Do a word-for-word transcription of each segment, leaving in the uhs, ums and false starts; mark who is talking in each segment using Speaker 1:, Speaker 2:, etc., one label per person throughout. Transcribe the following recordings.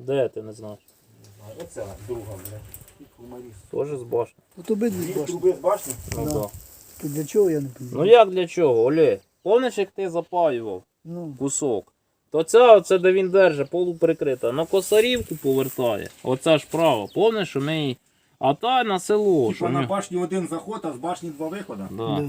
Speaker 1: Де ти не знаєш?
Speaker 2: Оця друга, блядь. Кумаріс.
Speaker 1: Теж з башні.
Speaker 3: От обидві
Speaker 2: Дві
Speaker 3: башні.
Speaker 2: труби з башні?
Speaker 1: Ну,
Speaker 3: Да.
Speaker 1: да.
Speaker 3: То для чого я не розумію?
Speaker 1: Ну як для чого, Олег? Помниш, як ти запаював
Speaker 3: Ну,
Speaker 1: кусок? То ця, оце де він держить, полуприкрита, на косарівку повертає. Оця ж права. Помниш, що ми її... А та на село. що
Speaker 2: Типа на
Speaker 1: ми-
Speaker 2: башні один заход, а з башні два виходи.
Speaker 1: Да.
Speaker 3: да.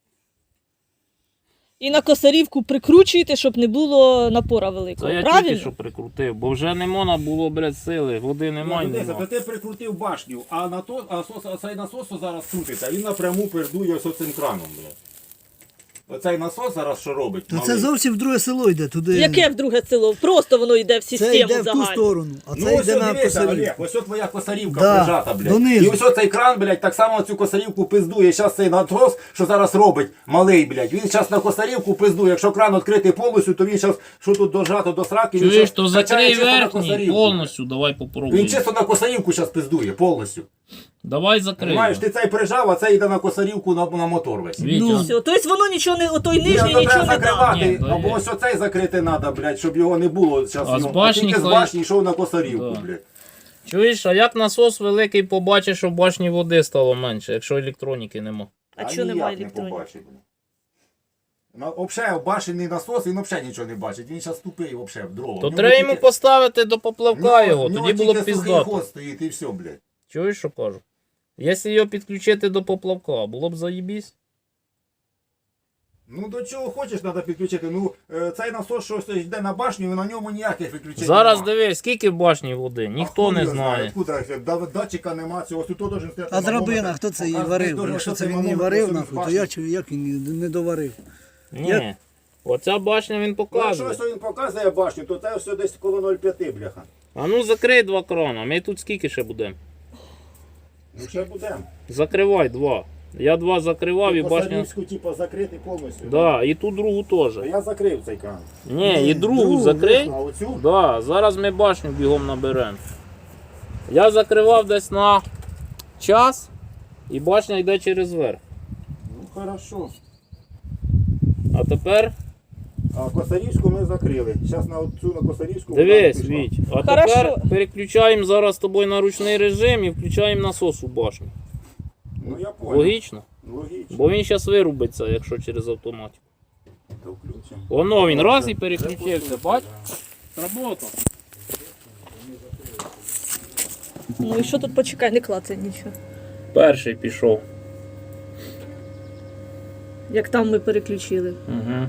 Speaker 4: І на косарівку прикручуєте, щоб не було напора великого.
Speaker 1: Це я
Speaker 4: Правильно?
Speaker 1: тільки що прикрутив, бо вже не можна було, блядь, сили, води немає.
Speaker 2: Ну, дивися,
Speaker 1: нема.
Speaker 2: то ти прикрутив башню, а на то, а, сос, а цей насос що зараз крутиться, він напряму передує ось цим краном, блядь. Оцей насос зараз що робить?
Speaker 3: То це
Speaker 2: малий?
Speaker 3: зовсім в друге село йде, туди.
Speaker 4: Яке в друге село? Просто воно йде в
Speaker 3: Це
Speaker 4: систему
Speaker 3: йде в ту
Speaker 4: загальну.
Speaker 3: сторону, а
Speaker 2: Ну
Speaker 3: це
Speaker 2: ось
Speaker 3: йде на
Speaker 2: дивися,
Speaker 3: косарі.
Speaker 2: Олег, ось от твоя косарівка
Speaker 3: Да,
Speaker 2: прижата, блядь.
Speaker 3: донизу.
Speaker 2: І ось оцей кран, блядь, так само цю косарівку пиздує. Зараз цей насос, що зараз робить, малий, блядь, він зараз на косарівку пиздує. Якщо кран відкритий повністю, то він зараз, що тут дожато до сраки, він
Speaker 1: Чуєш,
Speaker 2: щас
Speaker 1: то
Speaker 2: качає
Speaker 1: закрий
Speaker 2: чисто на
Speaker 1: верхній
Speaker 2: косарівку,
Speaker 1: повністю, давай
Speaker 2: блядь.
Speaker 1: попробуємо.
Speaker 2: Він чисто на косарівку зараз пиздує, повністю.
Speaker 1: Давай закрий.
Speaker 2: Знаєш, ти цей прижав, а цей йде на косарівку на, на мотор весь.
Speaker 1: Вітя.
Speaker 3: Ну,
Speaker 4: Все, тобто воно нічого не, отой
Speaker 2: Ні,
Speaker 4: нижній
Speaker 2: то
Speaker 4: нічого
Speaker 2: треба
Speaker 4: не дав.
Speaker 2: закривати,
Speaker 1: Ні, то
Speaker 2: або
Speaker 1: є.
Speaker 2: ось оцей закрити треба, блядь, щоб його не було зараз.
Speaker 1: А з
Speaker 2: ну,
Speaker 1: башні
Speaker 2: тільки з
Speaker 1: хай-
Speaker 2: башні йшов на косарівку,
Speaker 1: Да.
Speaker 2: блядь.
Speaker 1: Чуєш, а як насос великий побачиш, що в башні води стало менше, якщо електроніки нема?
Speaker 4: А чого
Speaker 2: ніяк
Speaker 4: немає
Speaker 2: не
Speaker 4: електроніки?
Speaker 2: побачить, блядь. На, взагалі, башенний насос, він взагалі нічого не бачить. Він зараз тупий, взагалі, в дрова.
Speaker 1: То
Speaker 2: В нього
Speaker 1: треба йому
Speaker 2: тільки-
Speaker 1: поставити до поплавка
Speaker 2: в нього-
Speaker 1: його,
Speaker 2: в нього
Speaker 1: тоді було б
Speaker 2: тільки сухий
Speaker 1: піздато.
Speaker 2: ход стоїть і все, блядь.
Speaker 1: Чуєш, що кажу? Якщо його підключити до поплавка, було б заєбісь.
Speaker 2: Ну до чого хочеш треба підключити. Ну е, цей насос, що ось йде на башню, на ньому ніяких виключень
Speaker 1: Зараз
Speaker 2: нема.
Speaker 1: дивись, скільки в башні води, ніхто
Speaker 2: А
Speaker 1: не
Speaker 2: хуй його
Speaker 1: знає.
Speaker 2: Откуда це? Да- датчика нема цього, ось тут должен стояти
Speaker 3: а
Speaker 2: манометр.
Speaker 3: драбина, хто це її
Speaker 2: Показує,
Speaker 3: варив?
Speaker 2: должен
Speaker 3: Якщо це
Speaker 2: стояти
Speaker 3: він її
Speaker 2: манометр,
Speaker 3: варив,
Speaker 2: ось
Speaker 3: нахуй,
Speaker 2: з
Speaker 3: то
Speaker 2: башні.
Speaker 3: я, чую, як він її не доварив?
Speaker 1: Ні. Оця башня він
Speaker 2: Ну, якщо
Speaker 1: показує.
Speaker 2: ось він показує башню, то це все десь коло нуль п'ять, бляха.
Speaker 1: А ну закрий два крана, ми тут скільки ще будемо?
Speaker 2: Ну ще будемо.
Speaker 1: Закривай два. Я два закривав і башня.
Speaker 2: Косарівську, типу, закрити повністю.
Speaker 1: Да, і ту другу теж.
Speaker 2: То я закрив цей кран.
Speaker 1: Ні, і другу
Speaker 3: другу
Speaker 1: закрий.
Speaker 2: А оцю?
Speaker 1: Да, зараз ми башню бігом наберемо. Я закривав десь на час, і башня йде через верх.
Speaker 2: Ну хорошо.
Speaker 1: А тепер
Speaker 2: А косарівську ми закрили. Зараз на цю на косарівську.
Speaker 1: дивись,
Speaker 2: вона пішла.
Speaker 1: Віть. А
Speaker 4: Хорошо.
Speaker 1: тепер переключаємо зараз з тобою на ручний режим і включаємо насос у башню.
Speaker 2: Ну я понял.
Speaker 1: Логічно?
Speaker 2: Логічно.
Speaker 1: Бо він зараз вирубиться, якщо через автоматику.
Speaker 2: То включимо.
Speaker 1: Воно він раз і переключився, бач? Сработало.
Speaker 4: Ну і що тут почекай, не клацай нічого.
Speaker 1: Перший пішов.
Speaker 4: Як там ми переключили.
Speaker 1: Угу.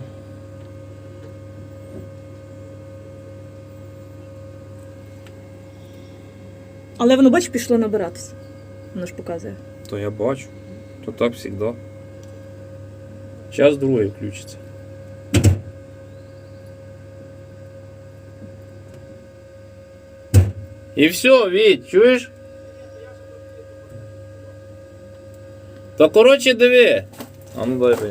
Speaker 4: Але воно, бач, пішло набиратися. Воно ж показує.
Speaker 1: То я бачу. То так завжди. Зараз другий включиться. І все, Віть, чуєш? Та коротше диви. А ну дай.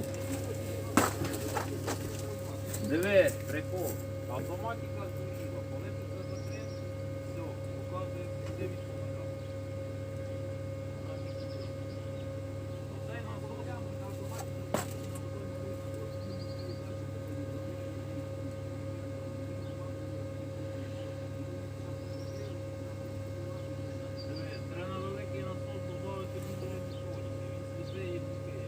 Speaker 1: Диви, прикол. Автоматика згоріла. Коли ти це закрив, все, показує, де відповідав. Оцей насос, треба на великий насос додати буде електроніки. Він сліди і букає.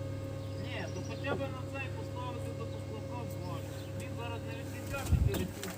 Speaker 1: Ні, то хоча б на цей поставити до поплавка в башню. Він зараз не відключав чотири